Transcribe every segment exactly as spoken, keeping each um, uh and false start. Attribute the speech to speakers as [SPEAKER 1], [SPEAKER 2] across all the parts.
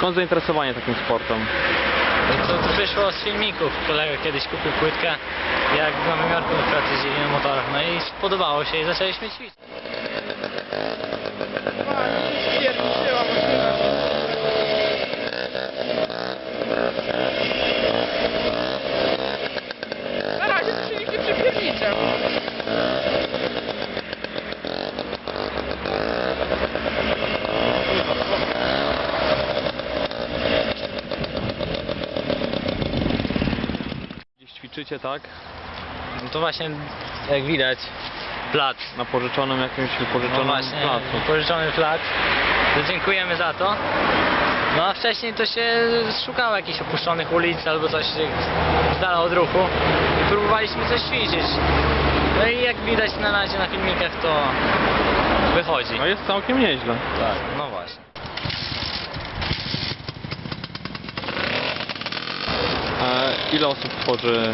[SPEAKER 1] Skąd zainteresowanie takim sportem?
[SPEAKER 2] To wyszło z filmików. Kolega kiedyś kupił płytkę, jak w Nowym Jorku na przykład jeździli na motorach, no i spodobało się i zaczęliśmy ćwiczyć.
[SPEAKER 3] Na razie to się nikt nie przypierniczał.
[SPEAKER 1] Gdzieś ćwiczycie, tak?
[SPEAKER 2] No to właśnie, jak widać, plac.
[SPEAKER 1] Na pożyczonym jakimś
[SPEAKER 2] No
[SPEAKER 1] wypożyczonym
[SPEAKER 2] właśnie,
[SPEAKER 1] placu.
[SPEAKER 2] pożyczony plac. To dziękujemy za to. No a wcześniej to się szukało jakichś opuszczonych ulic albo coś z dala od ruchu i próbowaliśmy coś ćwiczyć. No i jak widać na razie na filmikach to wychodzi.
[SPEAKER 1] No jest całkiem nieźle.
[SPEAKER 2] Tak, no właśnie.
[SPEAKER 1] E, ile osób tworzy?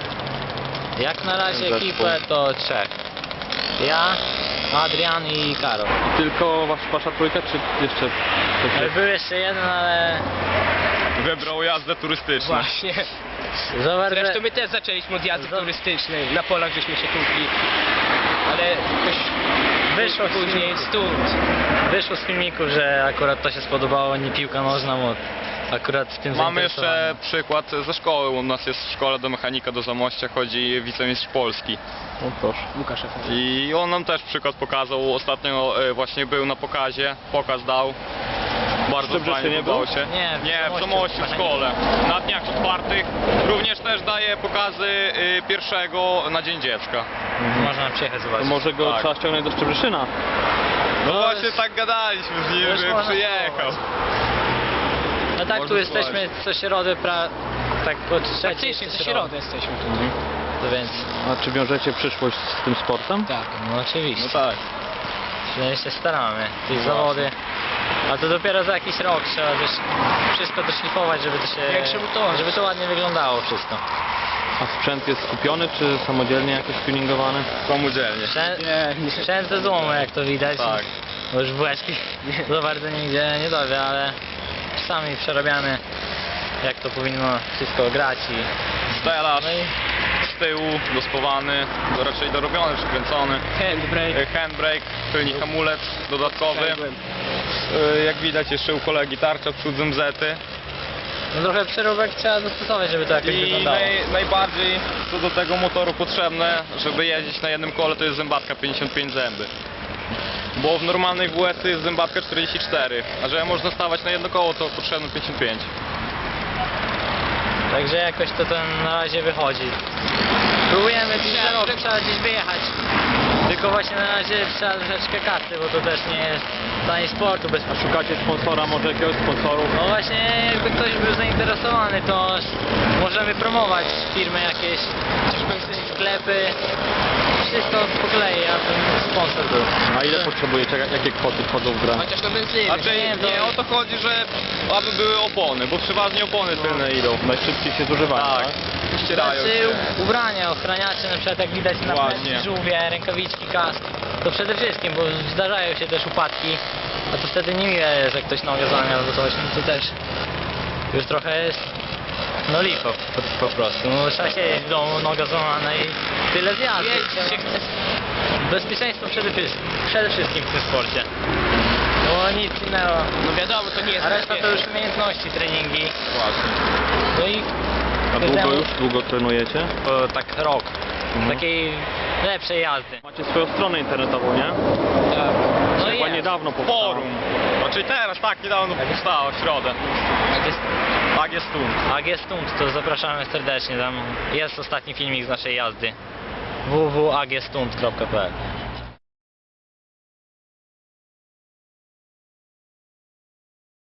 [SPEAKER 2] Jak na razie
[SPEAKER 1] Zespół.
[SPEAKER 2] ekipę to trzech. Ja, Adrian i Karol.
[SPEAKER 1] I tylko wasz, wasza trójka, czy jeszcze ktoś jest?
[SPEAKER 2] Był jeszcze jeden, ale
[SPEAKER 4] Wybrał jazdę turystyczną.
[SPEAKER 3] Właśnie.
[SPEAKER 2] za bardzo...
[SPEAKER 3] Zresztą my też zaczęliśmy od jazdy
[SPEAKER 2] Za-
[SPEAKER 3] turystycznej. Na polach żeśmy się tłukli. Ale jakoś
[SPEAKER 2] Wyszło
[SPEAKER 3] później stąd.
[SPEAKER 2] Wyszło z filmiku, że akurat to się spodobało, nie piłka nożna, bo akurat tym
[SPEAKER 4] Mamy
[SPEAKER 2] zainteresowany.
[SPEAKER 4] jeszcze przykład ze szkoły. U nas jest szkoła do mechanika do Zamościa, chodzi wicemistrz Polski.
[SPEAKER 1] No proszę.
[SPEAKER 3] Łukasz F.
[SPEAKER 4] I on nam też przykład pokazał. Ostatnio e, właśnie był na pokazie, pokaz dał. Bardzo
[SPEAKER 1] W Brzeszynie
[SPEAKER 4] fajnie podobało
[SPEAKER 1] był?
[SPEAKER 4] się.
[SPEAKER 2] Nie, w
[SPEAKER 4] Nie, w
[SPEAKER 2] Zamościu,
[SPEAKER 4] Zamościu w
[SPEAKER 2] mechanika.
[SPEAKER 4] szkole. Na dniach otwartych. Również też daje pokazy y, pierwszego na Dzień Dziecka.
[SPEAKER 2] Można przyjechać
[SPEAKER 1] To
[SPEAKER 2] zobaczyć.
[SPEAKER 1] może go
[SPEAKER 4] Tak.
[SPEAKER 1] trzeba ściągnąć do Szczebrzeszyna.
[SPEAKER 4] No
[SPEAKER 2] To
[SPEAKER 4] właśnie
[SPEAKER 2] jest-
[SPEAKER 4] tak gadaliśmy z nim,
[SPEAKER 2] też
[SPEAKER 4] żeby
[SPEAKER 2] można
[SPEAKER 4] przyjechał.
[SPEAKER 2] No tak, tu
[SPEAKER 4] Można
[SPEAKER 2] jesteśmy co środę, pra... tak po trzeciej
[SPEAKER 3] Praktycznie co środę jesteśmy tu.
[SPEAKER 2] To więc,
[SPEAKER 1] A czy wiążecie przyszłość z tym sportem?
[SPEAKER 3] Tak.
[SPEAKER 2] no oczywiście.
[SPEAKER 4] No tak.
[SPEAKER 2] Przynajmniej się staramy. Te
[SPEAKER 4] No
[SPEAKER 2] zawody. A to dopiero za jakiś rok trzeba też wszystko doszlifować, żeby to się...
[SPEAKER 3] Jak żeby to-
[SPEAKER 2] żeby to ładnie wyglądało wszystko.
[SPEAKER 1] A sprzęt jest kupiony, czy samodzielnie jakoś tuningowany?
[SPEAKER 4] Samodzielnie.
[SPEAKER 2] Sprzęt,
[SPEAKER 3] Nie, nie.
[SPEAKER 2] sprzęt ze złomu, jak to widać.
[SPEAKER 4] Tak.
[SPEAKER 2] Bo już bułeczki za bardzo nigdzie nie dowie, ale czasami przerabiamy, jak to powinno wszystko grać i...
[SPEAKER 4] Stelaż
[SPEAKER 2] No i
[SPEAKER 4] z tyłu, dospowany, do raczej dorobiony, przykręcony.
[SPEAKER 3] Handbrake.
[SPEAKER 4] E, Handbrake, tylnik hamulec dodatkowy.
[SPEAKER 3] Handbrake.
[SPEAKER 4] E, Jak widać jeszcze u kolegi tarcza, przód zety.
[SPEAKER 2] no trochę przeróbek trzeba dostosować, żeby to jakoś
[SPEAKER 4] I
[SPEAKER 2] wyglądało.
[SPEAKER 4] naj, najbardziej co do tego motoru potrzebne, żeby jeździć na jednym kole, to jest zębatka pięćdziesiąt pięć zęby. Bo w normalnej W S jest zębatka czterdzieści cztery, a żeby można stawać na jedno koło, to potrzebne pięćdziesiąt pięć.
[SPEAKER 2] Także jakoś to ten na razie wychodzi. Próbujemy gdzieś za rok, trzeba gdzieś wyjechać. Tylko właśnie na razie trzeba troszeczkę kasy, bo to też nie jest tani sportu bez...
[SPEAKER 1] A szukacie sponsora, może jakiegoś sponsorów?
[SPEAKER 2] No właśnie, jakby ktoś był zainteresowany, to możemy promować firmy jakieś, sklepy, wszystko po kolei, aby sponsor był.
[SPEAKER 1] A ile potrzebujecie? Jak- Jakie kwoty wchodzą w grę?
[SPEAKER 3] Chociaż na benzynie.
[SPEAKER 4] Znaczy
[SPEAKER 2] nie, to-
[SPEAKER 4] nie o to chodzi, że aby były opony, bo przeważnie opony tylne idą.
[SPEAKER 1] Najszybciej się zużywają,
[SPEAKER 4] Tak,
[SPEAKER 1] tak?
[SPEAKER 4] ścierają
[SPEAKER 2] Znaczy
[SPEAKER 4] się.
[SPEAKER 2] ubrania, ochraniacze, na przykład jak widać na
[SPEAKER 4] Właśnie.
[SPEAKER 2] żółwie, rękawiczki, kask, to przede wszystkim, bo zdarzają się też upadki, a to wtedy niemiłe jest, jak ktoś nogę złamie albo coś, no to też już trochę jest, no lipo po, po prostu, no trzeba siedzieć w domu, noga złamana i tyle zjazdu.
[SPEAKER 3] Jeździć się chce.
[SPEAKER 2] Bezpieczeństwo przede wszystkim, przede wszystkim w tym sporcie, bo nic innego,
[SPEAKER 3] No wiadomo, to nie jest
[SPEAKER 2] a reszta to
[SPEAKER 3] bezpieczne.
[SPEAKER 2] już umiejętności, treningi,
[SPEAKER 4] Właśnie.
[SPEAKER 2] no i
[SPEAKER 1] A długo
[SPEAKER 2] każdemu-
[SPEAKER 1] już? Długo trenujecie?
[SPEAKER 2] o, tak rok, takiej lepszej jazdy.
[SPEAKER 1] Macie swoją stronę internetową, nie?
[SPEAKER 3] Tak.
[SPEAKER 2] No i
[SPEAKER 1] Chyba
[SPEAKER 2] jest.
[SPEAKER 1] niedawno powstała.
[SPEAKER 4] Forum. Znaczy teraz, tak, niedawno powstało, w środę.
[SPEAKER 2] Jak jest,
[SPEAKER 4] Tak jest tu.
[SPEAKER 2] jak jest stunt, to zapraszamy serdecznie, tam jest ostatni filmik z naszej jazdy w w w kropka a g stunt kropka p l.